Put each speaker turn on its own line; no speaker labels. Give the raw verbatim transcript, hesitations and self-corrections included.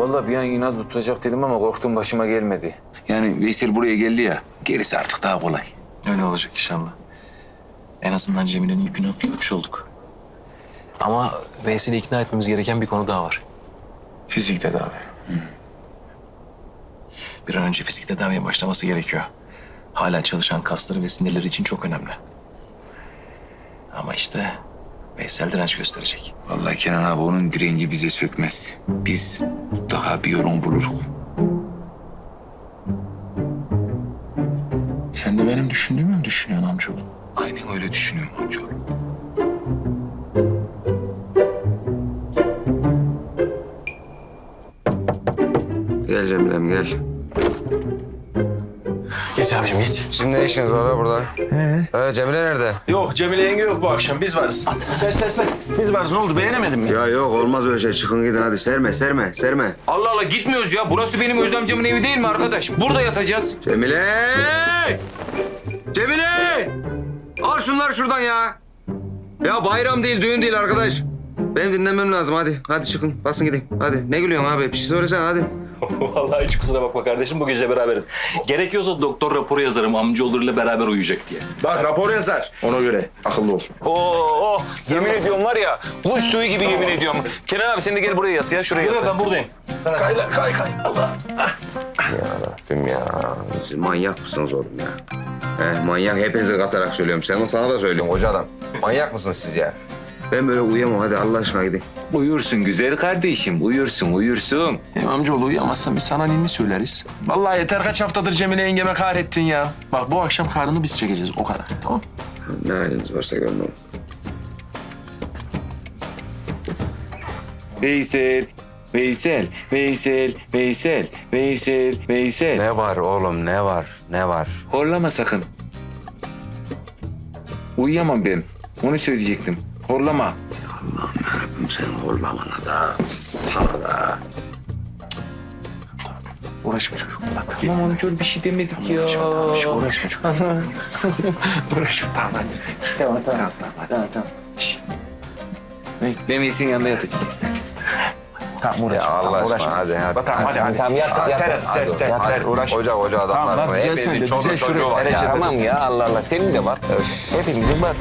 Vallahi bir an inat tutacak dedim ama korktum başıma gelmedi. Yani Veysel buraya geldi ya, gerisi artık daha kolay.
Öyle olacak inşallah. En azından Cemile'nin yükünü hafifletmiş olduk. Ama Veysel'i ikna etmemiz gereken bir konu daha var.
Fizik tedavi.
Bir an önce fizik tedaviye başlaması gerekiyor. Hala çalışan kasları ve sinirleri için çok önemli. Ama işte Veysel direnç gösterecek.
Vallahi Kenan abi onun direnci bize sökmez. Biz mutlaka bir yolunu buluruz.
Sen de benim düşündüğümü mü düşünüyorsun amcaoğlu?
Aynen öyle düşünüyorum amcaoğlu.
Gel Cemilem gel.
Geç abicim geç.
Sizin ne işiniz var ha burada? He. He, Cemile nerede?
Yok Cemile yenge yok bu akşam biz varız. Ser ser ser. Biz varız ne oldu beğenemedin mi?
Ya yok olmaz öyle şey. Çıkın gidin hadi. Serme serme serme.
Allah Allah gitmiyoruz ya. Burası benim öz amcamın evi değil mi arkadaş? Burada yatacağız.
Cemile! Cemile! Al şunları şuradan ya. Ya bayram değil, düğün değil arkadaş. Benim dinlemem lazım hadi. Hadi çıkın. Basın gidin. Hadi. Ne gülüyorsun abi? Bir şey söylesene hadi.
Vallahi hiç kusura bakma kardeşim bu gece beraberiz. Gerekiyorsa doktor raporu yazarım amcaoğullarıyla beraber uyuyacak diye.
Bak rapor yazar. Ona göre akıllı ol.
Oo, yemin ediyorum var ya, kuş tüyü gibi yemin ediyorum. Kenan abi sen de gel buraya yat ya, şuraya
Yok
yat.
ben buradayım. Kay lan, kay kay Allah.
Ya Rabbim ya. Siz manyak mısınız oğlum ya? He, manyak hepinize katarak söylüyorum. Sen sana da söylüyorum koca adam. Manyak mısınız siz ya? Ben böyle uyuyamam. Hadi Allah aşkına gidin.
Uyursun güzel kardeşim, uyursun, uyursun.
Hem amcaoğlu uyuyamazsan biz sana ninni söyleriz. Vallahi yeter kaç haftadır Cemile yengeme kahrettin ya. Bak bu akşam karnını biz çekeceğiz o kadar. Tamam.
Ne haliniz varsa görün oğlum.
Veysel, Veysel, Veysel, Veysel, Veysel, Veysel.
Ne var oğlum ne var ne var?
Horlama sakın. Uyuyamam ben. Onu söyleyecektim. Horlama.
Allah'ım yarabbim senin horlamana da sana da.
Uğraşma çocukla.
Tamam amcaoğlu bir şey demedik ya.
Uğraşma tamam. Şş, uğraşma çocukla.
Uğraşma tamam hadi. Tamam tamam tamam tamam. tamam. Şş. Ben Veysel'in yanında yatacağım.
Tamam uğraşma.
Ya Allah
tamam,
aşkına
uğraşma.
hadi hadi.
Tamam hadi hadi. Tamam yat yat. Ser hadi ser ser
Hadi,
ser. Uğraşma.
Koca koca adamlarsın.
Tamam lan, güzel
Hepinizin
sen de,
çoluk
güzel
çocuğu
şuraya
var.
sereceğiz.
Tamam ya Allah Allah senin de var. Hepimizin var.